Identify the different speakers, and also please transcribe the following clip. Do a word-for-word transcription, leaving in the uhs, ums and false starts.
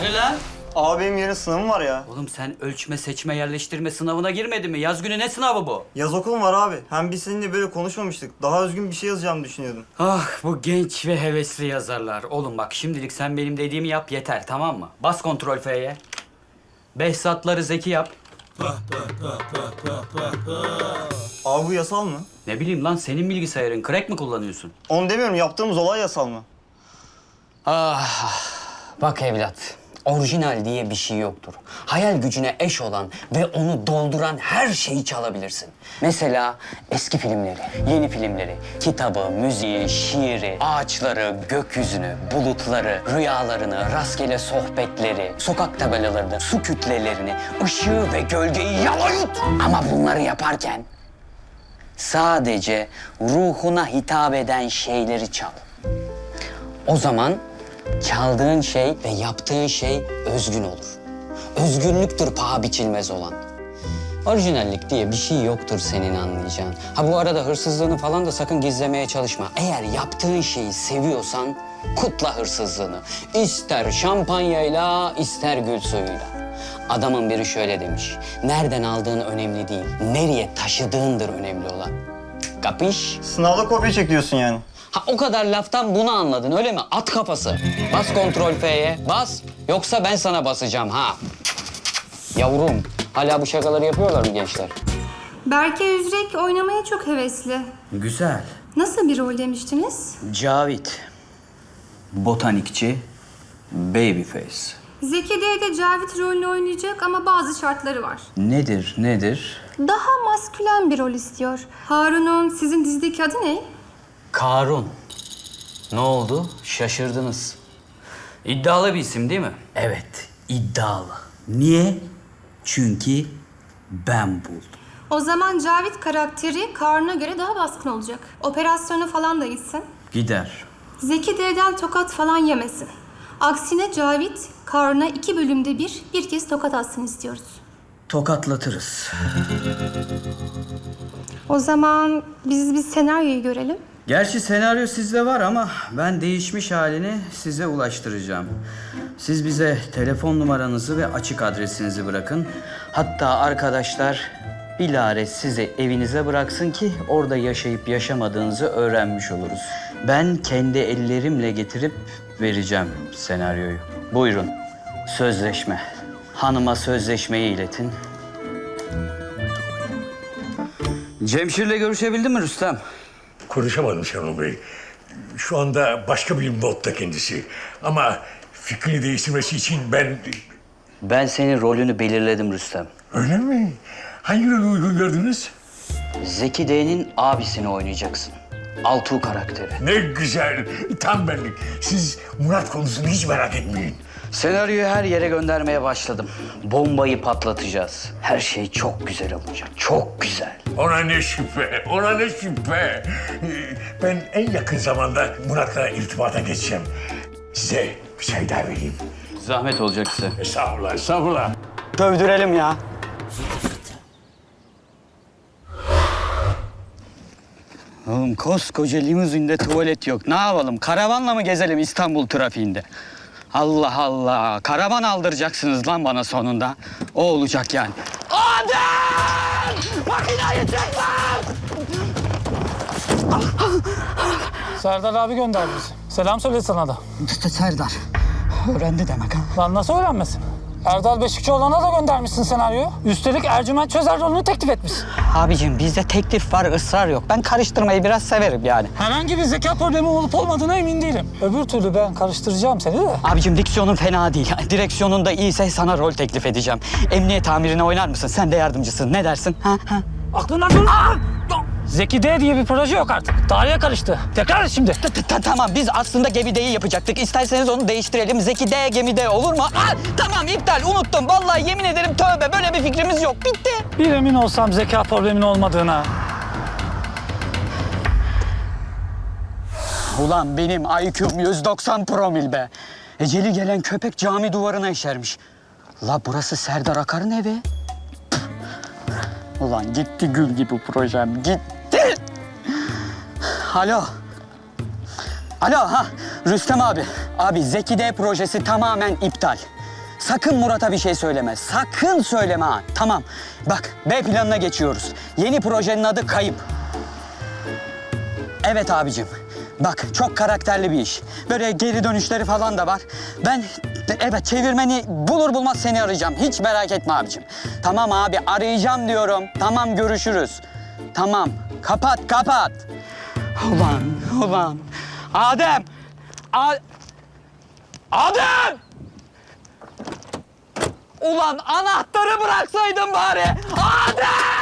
Speaker 1: Hani lan?
Speaker 2: Abi benim yarın sınavım var ya.
Speaker 1: Oğlum sen ölçme, seçme, yerleştirme sınavına girmedin mi? Yaz günü ne sınavı bu?
Speaker 2: Yaz okulum var abi. Hem biz seninle böyle konuşmamıştık. Daha özgün bir şey yazacağımı düşünüyordum.
Speaker 1: Ah bu genç ve hevesli yazarlar. Oğlum bak şimdilik sen benim dediğimi yap yeter, tamam mı? Bas kontrol F'ye. Behzatları Zeki yap.
Speaker 2: Abi bu yasal mı?
Speaker 1: Ne bileyim lan, senin bilgisayarın crack mi kullanıyorsun?
Speaker 2: Onu demiyorum. Yaptığımız olay yasal mı?
Speaker 3: Ah, bak evlat, orijinal diye bir şey yoktur. Hayal gücüne eş olan ve onu dolduran her şeyi çalabilirsin. Mesela eski filmleri, yeni filmleri, kitabı, müziği, şiiri, ağaçları, gökyüzünü, bulutları, rüyalarını, rastgele sohbetleri, sokak tabelalarını, su kütlelerini, ışığı ve gölgeyi yalayut. Ama bunları yaparken sadece ruhuna hitap eden şeyleri çal. O zaman çaldığın şey ve yaptığın şey özgün olur. Özgünlüktür paha biçilmez olan. Orijinallik diye bir şey yoktur senin anlayacağın. Ha bu arada hırsızlığını falan da sakın gizlemeye çalışma. Eğer yaptığın şeyi seviyorsan kutla hırsızlığını. İster şampanyayla, ister gül suyuyla. Adamın biri şöyle demiş. Nereden aldığın önemli değil, nereye taşıdığındır önemli olan. Kapış?
Speaker 2: Sınavda kopya çekiyorsun yani.
Speaker 3: Ha o kadar laftan bunu anladın öyle mi? At kafası. Bas kontrol F'ye. Bas. Yoksa ben sana basacağım ha. Yavrum. Hala bu şakaları yapıyorlar mı gençler?
Speaker 4: Berke Üzrek oynamaya çok hevesli.
Speaker 1: Güzel.
Speaker 4: Nasıl bir rol demiştiniz?
Speaker 1: Cavit. Botanikçi. Babyface.
Speaker 4: Zeki D'de Cavit rolünü oynayacak ama bazı şartları var.
Speaker 1: Nedir, nedir?
Speaker 4: Daha maskülen bir rol istiyor. Harun'un sizin dizideki adı ne?
Speaker 1: Karun. Ne oldu? Şaşırdınız. İddialı bir isim değil mi? Evet, iddialı. Niye? Çünkü ben buldum.
Speaker 4: O zaman Cavit karakteri Karun'a göre daha baskın olacak. Operasyona falan da gitsin.
Speaker 1: Gider.
Speaker 4: Zeki D'den tokat falan yemesin. Aksine Cavit, Karun'a iki bölümde bir, bir kez tokat atsın istiyoruz.
Speaker 1: Tokatlatırız.
Speaker 4: O zaman biz bir senaryoyu görelim.
Speaker 1: Gerçi senaryo sizde var ama ben değişmiş halini size ulaştıracağım. Siz bize telefon numaranızı ve açık adresinizi bırakın. Hatta arkadaşlar bilare sizi evinize bıraksın ki orada yaşayıp yaşamadığınızı öğrenmiş oluruz. Ben kendi ellerimle getirip vereceğim senaryoyu. Buyurun, sözleşme. Hanıma sözleşmeyi iletin. Cemşir'le görüşebildin mi Rüstem?
Speaker 5: Konuşamadım Şenol Bey. Şu anda başka bir modda kendisi. Ama fikrini değiştirmesi için ben...
Speaker 1: Ben senin rolünü belirledim Rüstem.
Speaker 5: Öyle mi? Hangi rolü uygun gördünüz?
Speaker 1: Zeki D'nin abisini oynayacaksın. Altuğ karakteri.
Speaker 5: Ne güzel. Tam benlik. Siz Murat konusunu hiç merak etmeyin.
Speaker 1: Senaryoyu her yere göndermeye başladım. Bombayı patlatacağız. Her şey çok güzel olacak. Çok güzel.
Speaker 5: Ona ne şüphe, ona ne şüphe. Ee, Ben en yakın zamanda Murat'la irtibata geçeceğim. Size bir çay daha vereyim.
Speaker 1: Zahmet olacak size.
Speaker 5: Estağfurullah, estağfurullah.
Speaker 3: Dövdürelim ya. Oğlum koskoca limuzinde tuvalet yok. Ne yapalım? Karavanla mı gezelim İstanbul trafiğinde? Allah Allah. Karavan aldıracaksınız lan bana sonunda. O olacak yani. Adem! Makinayı çek lan!
Speaker 6: Serdar abi gönderdi bizi. Selam söyle sana da.
Speaker 3: Serdar. Öğrendi demek ha.
Speaker 6: Lan nasıl öğrenmesin? Erdal Beşikçioğlu'na da göndermişsin senaryoyu. Üstelik Ercüment Çözer rolünü teklif etmişsin.
Speaker 3: Abicim bizde teklif var, ısrar yok. Ben karıştırmayı biraz severim yani.
Speaker 6: Herhangi bir zeka problemi olup olmadığına emin değilim. Öbür türlü ben karıştıracağım seni de.
Speaker 3: Abicim diksiyonun fena değil. Direksiyonun da iyiyse sana rol teklif edeceğim. Emniyet amirine oynar mısın? Sen de yardımcısın. Ne dersin? Ha? Ha?
Speaker 6: Aklından dur. Zeki D diye bir proje yok artık. Tarihe karıştı. Tekrar et şimdi.
Speaker 3: Ta- ta- Tamam biz aslında gemideyi yapacaktık. İsterseniz onu değiştirelim. Zeki D gemide olur mu? Aa, tamam iptal unuttum. Vallahi yemin ederim tövbe böyle bir fikrimiz yok. Bitti.
Speaker 6: Bir emin olsam zeka problemin olmadığına.
Speaker 3: Ulan benim I Q'm yüz doksan promil be. Eceli gelen köpek cami duvarına işermiş. La burası Serdar Akar'ın evi. Ulan gitti gül gibi projem, gitti. Alo. Alo ha Rüstem abi. Abi Zeki D projesi tamamen iptal.
Speaker 1: sakın Murat'a bir şey söyleme. Sakın söyleme ha. Tamam. Bak B planına geçiyoruz. Yeni projenin adı Kayıp. Evet abicim. Bak çok karakterli bir iş. Böyle geri dönüşleri falan da var. Ben evet çevirmeni bulur bulmaz seni arayacağım. Hiç merak etme abicim. Tamam abi arayacağım diyorum. Tamam görüşürüz. Tamam. Kapat kapat. Ulan ulan. Adem. A Adem. Ulan anahtarı bıraksaydın bari. Adem.